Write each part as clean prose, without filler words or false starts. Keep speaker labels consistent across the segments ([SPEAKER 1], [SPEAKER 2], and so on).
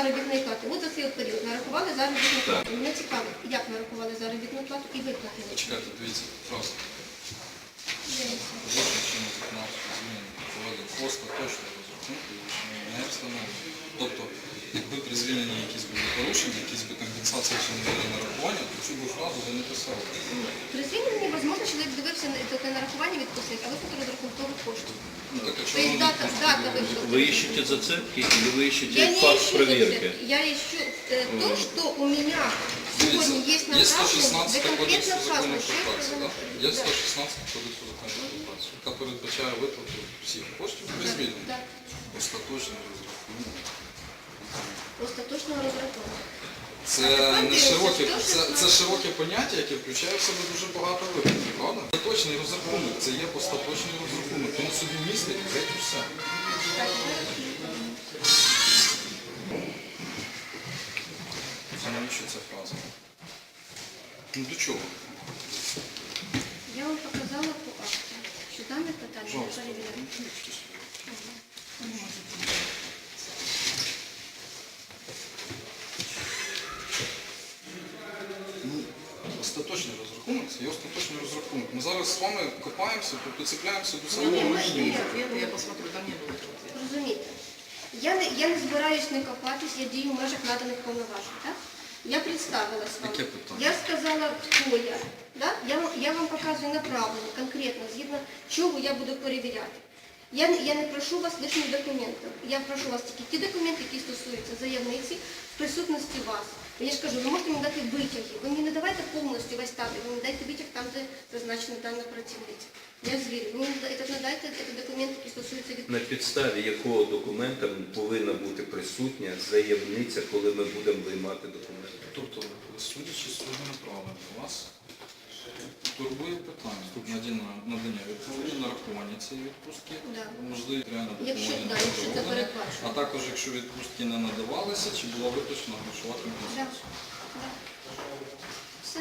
[SPEAKER 1] заробітної плати. От за цей період нарахували заробітну плату. Мене цікаво, як нарахували заробітну плату і виплатили.
[SPEAKER 2] Чекайте, дивіться, просто. Остаточно розрахунку не встановлено. Тобто, якби при звільненні якісь були порушення, якісь би компенсації чи не були нарахування, то цю фразу ви не писали.
[SPEAKER 1] При звільненні, можливо, чоловік дивився на нарахування відпустив, а виплату розрахункових коштів.
[SPEAKER 2] Ну, так, якщо
[SPEAKER 1] То есть дата выплаты.
[SPEAKER 3] Вы ищете зацепки или вы ищете
[SPEAKER 1] Я не
[SPEAKER 3] факт
[SPEAKER 1] ищу
[SPEAKER 3] проверки?
[SPEAKER 1] зацепки. Я ищу то, что у меня сегодня есть
[SPEAKER 2] Є
[SPEAKER 1] направлено
[SPEAKER 2] 116
[SPEAKER 1] за
[SPEAKER 2] кодексу
[SPEAKER 1] конкретно
[SPEAKER 2] закону
[SPEAKER 1] факту.
[SPEAKER 2] про працю, так? Є 116 кодексу закону про працю, яка передбачає виплату всіх коштів при звільненні.
[SPEAKER 1] Так,
[SPEAKER 2] Остаточно розрахунок.
[SPEAKER 1] остаточного розрахунку.
[SPEAKER 2] Це широке поняття, яке включає в себе дуже багато випадків, правда? Остаточний розрахунок, це є остаточний розрахунок. Він собі містить геть усе. Це навіщо ця фраза? Ну до чого?
[SPEAKER 1] Я вам показала по акту, що дане питання
[SPEAKER 2] Пожалуйста.
[SPEAKER 1] перевіряємо.
[SPEAKER 2] Остаточний розрахунок, це є остаточний розрахунок. Ми зараз з вами копаємося, прицепляємося до
[SPEAKER 1] Ні,
[SPEAKER 2] самого
[SPEAKER 1] ми
[SPEAKER 2] мінімуму.
[SPEAKER 4] Я посмотрю, там не было этого ответа.
[SPEAKER 1] Розумієте, я не збираюсь не копатись, я дію в межах наданих повноважень, так? Я представилась вам.
[SPEAKER 2] Яке питання?
[SPEAKER 1] Я сказала, хто я. Да? Я вам показую направлення, конкретно, згідно чого я буду перевіряти. Я не прошу вас лишніх документів. Я прошу вас тільки ті документи, які стосуються заявниці в присутності вас. Я ж кажу, ви можете мені дати витяги. Ви мені не давайте повністю весь табір, ви мені дайте витяг там, де зазначена дана працівниця. Я звірю. Ви мені надайте документи, які стосуються від...
[SPEAKER 3] На підставі якого документа повинна бути присутня заявниця, коли ми будемо виймати документи?
[SPEAKER 2] Тобто, судячи з цього направлення, вас турбує питання надання відповіді, нарахування цієї відпустки,
[SPEAKER 1] Да.
[SPEAKER 2] можливо, реально
[SPEAKER 1] Якщо це передбачено.
[SPEAKER 2] а також якщо відпустки не надавалися, чи була виплачена грошова
[SPEAKER 1] Да.
[SPEAKER 2] компенсація.
[SPEAKER 1] Да. Все.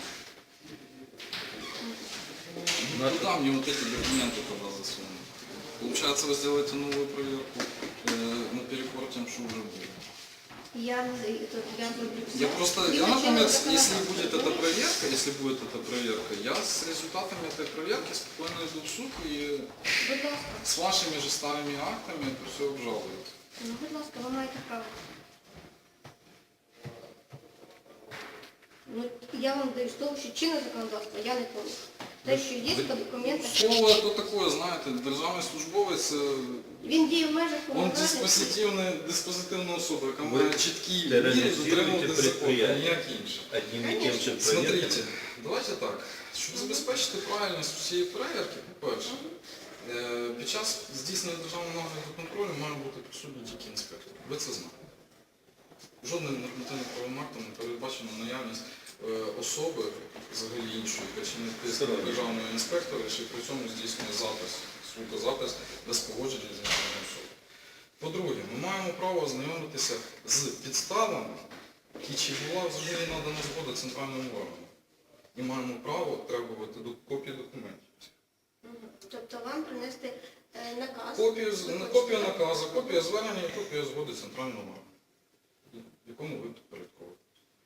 [SPEAKER 2] Куда мне вот эти документы тогда засунуть? Получается, вы сделаете новую проверку наперекор тем, что уже было.
[SPEAKER 1] Я зроблю все.
[SPEAKER 2] Я, например, если будет эта проверка, я с результатами этой проверки спокойно иду в суд и
[SPEAKER 1] Будь ласка.
[SPEAKER 2] с вашими же старыми актами это все обжалуют.
[SPEAKER 1] Ну, будь ласка, ви маєте право. Ну, я вам даю з того, що чинне законодавство я не помню. Те, що є по документах.
[SPEAKER 2] Слово это такое, знаете, державний службовець,
[SPEAKER 1] Він діє в межах
[SPEAKER 2] он
[SPEAKER 1] повноважень.
[SPEAKER 2] диспозитивна особа, яка
[SPEAKER 3] Ви
[SPEAKER 2] має чіткі мірі
[SPEAKER 3] тероризуєте
[SPEAKER 2] дотримуватися закону,
[SPEAKER 3] предприятия.
[SPEAKER 2] ніяк інше.
[SPEAKER 3] Одним і тим же
[SPEAKER 2] Смотрите,
[SPEAKER 3] проверкам.
[SPEAKER 2] давайте так. Щоб забезпечити правильність усієї перевірки, по-перше, під час здійснення державного нагляду контролю має бути присутній тільки інспектор. Ви це знаєте. Жодним нормативним актом не передбачено наявність особи, взагалі іншої, яка чи не вписана державного інспектора, чи при цьому здійснює запис, звукозапис без погодження з іншою особою. По-друге, ми маємо право ознайомитися з підставами, і чи була взагалі надана згода центральному органу. І маємо право требувати копії документів.
[SPEAKER 1] Тобто вам принести наказ.
[SPEAKER 2] Копію наказу, копія звернення і копія згоди центрального органу, якому ви підпорядковуєте.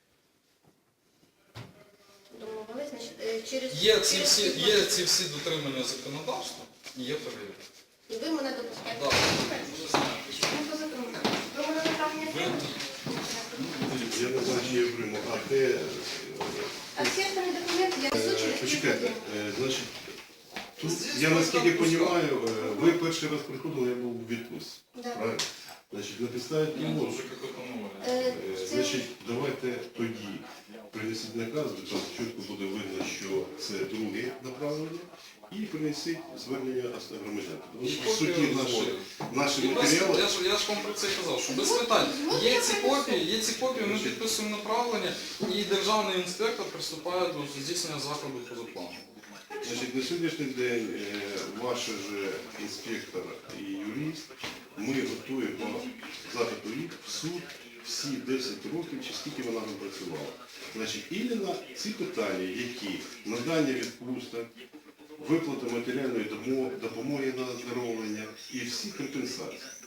[SPEAKER 1] Домовились, значить, через...
[SPEAKER 2] Є ці всі дотримання законодавства і є перевірка.
[SPEAKER 1] І ви мене допускаєте.
[SPEAKER 2] Так.
[SPEAKER 1] Ну, по закону. Ви мене направлення приймете?
[SPEAKER 5] Я не знаю, чи я прийму, а де...
[SPEAKER 1] А всі останні документи я несу через
[SPEAKER 5] Почекайте, значить, тут, я наскільки розумію, ви перший раз приходили, я був у відпустці,
[SPEAKER 1] Да.
[SPEAKER 5] правильно? Значить, на підставі
[SPEAKER 2] Це
[SPEAKER 5] того,
[SPEAKER 2] вже какой-то новий.
[SPEAKER 5] значить, давайте тоді принесіть наказ, де там чітко буде видно, що це друге направлення, і принесіть звернення громадян. Тому що, по суті, наші матеріали...
[SPEAKER 2] Я ж вам про це і казав, що без питань. Є ці копії, ми підписуємо направлення, і державний інспектор приступає до здійснення заходу поза планом.
[SPEAKER 5] Значить, на сьогоднішній день ваш же інспектор і юрист, ми готуємо запиту їх в суд всі 10 років, чи скільки вона там працювала. Значить, іменно ці питання, які надання відпусток, виплата матеріальної допомоги на оздоровлення і всі компенсації.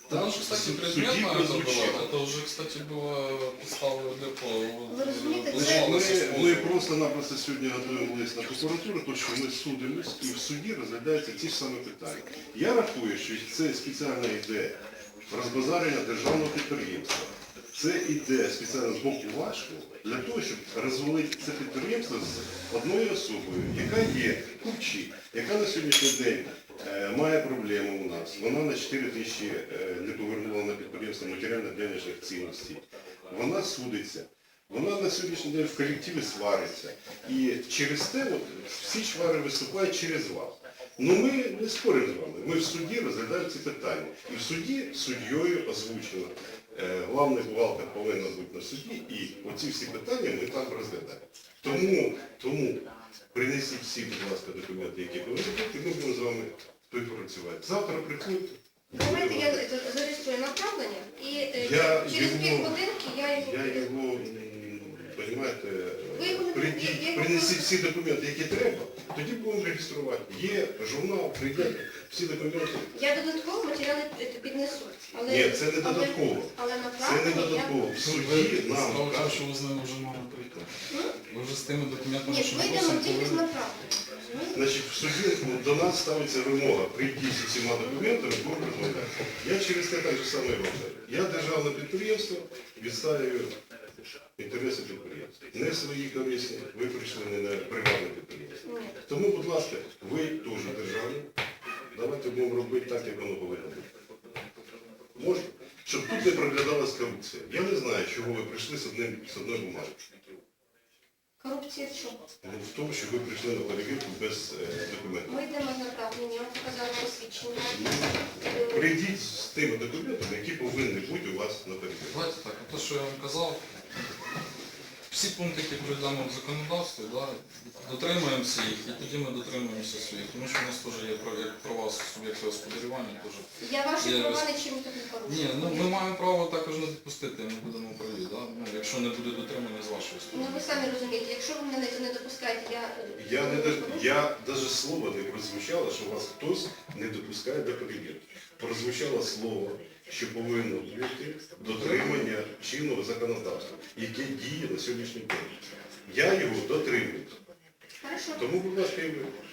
[SPEAKER 2] Там же, кстати,
[SPEAKER 5] в
[SPEAKER 2] предметно
[SPEAKER 5] суді
[SPEAKER 2] это
[SPEAKER 5] прозвучало.
[SPEAKER 2] было. Это уже, кстати, было подставою для
[SPEAKER 1] Ви розумієте,
[SPEAKER 5] Ми просто-напросто сьогодні готуємо лист на прокуратуру, тому що ми судимось і в суді розглядаються ті ж самі питання. Я рахую, що це спеціально йде розбазарення державного підприємства. Це йде спеціально з боку вашого для того, щоб розвалити це підприємство з одною особою, яка є купчі, яка на сьогоднішній день має проблему у нас. Вона на 4 тисячі не повернула на підприємство матеріально-денежних цінностей. Вона судиться. Вона на сьогоднішній день в колективі свариться. І через те всі чвари виступають через вас. Ну ми не споримо з вами. Ми в суді розглядаємо ці питання. І в суді суддєю озвучено. Главний бухгалтер повинен бути на суді, і оці всі питання ми там розглядаємо. Тому принесіть всі, будь ласка, документи, які повинні бути, і ми будемо з вами співпрацювати. Завтра приходьте.
[SPEAKER 1] Давайте я зареєструю направлення і
[SPEAKER 5] Я
[SPEAKER 1] через
[SPEAKER 5] його-
[SPEAKER 1] півгодинки я його...
[SPEAKER 5] Понимаєте,
[SPEAKER 1] Ви його не
[SPEAKER 5] принесіть всі документи, які треба, тоді будемо реєструвати. Є журнал, прийдете, всі документи.
[SPEAKER 1] Я додатково матеріали піднесу. Але,
[SPEAKER 5] Ні, це не додатково.
[SPEAKER 1] Але
[SPEAKER 5] Це не
[SPEAKER 1] направлення
[SPEAKER 5] додатково. В суді
[SPEAKER 2] Ви
[SPEAKER 5] нам
[SPEAKER 2] справа в тому,
[SPEAKER 5] кажуть,
[SPEAKER 2] що ви з ними вже мали прийти. Ви вже з тими документами,
[SPEAKER 1] Ні,
[SPEAKER 2] що
[SPEAKER 1] ми йдемо
[SPEAKER 2] просимо,
[SPEAKER 1] тільки з
[SPEAKER 2] повинні.
[SPEAKER 1] направлення. розумієте?
[SPEAKER 5] значить, в суді до нас ставиться вимога прийти з усіма документами, будемо розмовляти. Я через те так же саме роблю. Я державне підприємство відставлю інтереси підприємства. Не свої корисні, ви прийшли не на приватне підприємство.
[SPEAKER 1] Ні.
[SPEAKER 5] Тому, будь ласка, ви теж державні. Давайте будемо робити так, як воно повинно бути. Можна? Щоб тут не проглядалась корупція. Я не знаю, чого ви прийшли з одної бумаги.
[SPEAKER 1] Корупція в чому?
[SPEAKER 5] В тому, що ви прийшли на перевірку без документів.
[SPEAKER 1] Ми йдемо з направлення, я вам показала посвідчення.
[SPEAKER 5] Прийдіть з тими документами, які повинні бути у вас на перевірку.
[SPEAKER 2] Давайте так, те, що я вам казав, всі пункти, які перейдемо в законодавстві, да, дотримуємося їх, і тоді ми дотримуємося своїх. Тому що у нас теж є права суб'єкту господарювання. Теж.
[SPEAKER 1] Я ваші
[SPEAKER 2] Є
[SPEAKER 1] права
[SPEAKER 2] роз-
[SPEAKER 1] нічим тут не порушую.
[SPEAKER 2] Ні, ну ми маємо право також не допустити, ми будемо праві, да? Ну, якщо не буде дотримання з вашої
[SPEAKER 1] Ну
[SPEAKER 2] сторони.
[SPEAKER 1] ви самі розумієте, якщо ви мене не допускаєте,
[SPEAKER 5] Я навіть слово не прозвучало, що вас хтось не допускає до перевірки. Прозвучало слово, що повинно бути дотримання чинного законодавства, яке діє на сьогоднішній день. Я його дотримую.
[SPEAKER 1] Хорошо.
[SPEAKER 5] Тому, будь ласка, і ви.